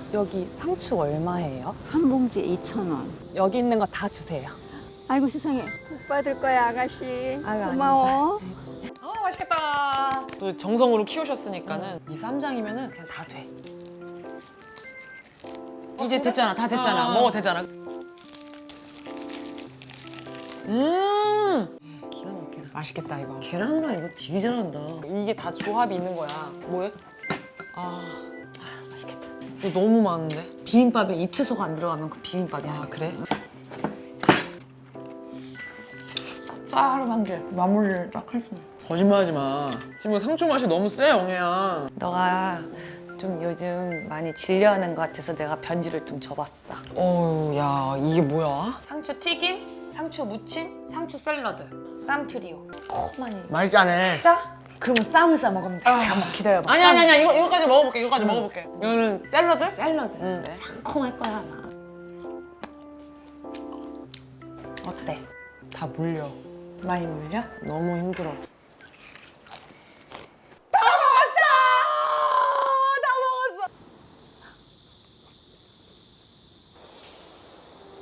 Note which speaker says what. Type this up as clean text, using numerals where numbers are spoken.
Speaker 1: 여기 상추 얼마예요?
Speaker 2: 한 봉지에 2,000원.
Speaker 1: 여기 있는 거 다 주세요.
Speaker 2: 아이고 세상에. 복 받을 거야 아가씨.
Speaker 1: 아유,
Speaker 2: 고마워.
Speaker 3: 아 맛있겠다. 또 정성으로 키우셨으니까는 이 쌈장이면은 그냥 다 돼. 이제 됐잖아, 다 됐잖아. 먹어도 되잖아. 기가 막히다. 맛있겠다 이거.
Speaker 4: 계란후라이 이거 되게 잘한다.
Speaker 3: 이게 다 조합이 있는 거야. 뭐해? 맛있겠다. 이거 너무 많은데?
Speaker 4: 비빔밥에 잎채소가 안 들어가면 그 비빔밥이 아니야.
Speaker 3: 그래? 쌉싸름한 게 마무리를 딱 할 수 있네. 거짓말하지 마. 지금 상추 맛이 너무 세, 영애야.
Speaker 1: 너가 좀 요즘 많이 질려하는 것 같아서 내가 변주를 좀 줘봤어.
Speaker 3: 어우, 야, 이게 뭐야?
Speaker 1: 상추 튀김, 상추 무침, 상추 샐러드, 쌈 트리오. 코만이.
Speaker 3: 말짜네.
Speaker 1: 짜? 그러면 쌈을 싸 먹으면 돼. 잠깐만 기다려봐.
Speaker 3: 아니야. 이거까지 먹어볼게. 이거까지 먹어볼게. 이거는 샐러드?
Speaker 1: 샐러드.
Speaker 3: 응.
Speaker 1: 상콤할 거야 아마. 어때?
Speaker 3: 다 물려.
Speaker 1: 많이 물려?
Speaker 3: 너무 힘들어.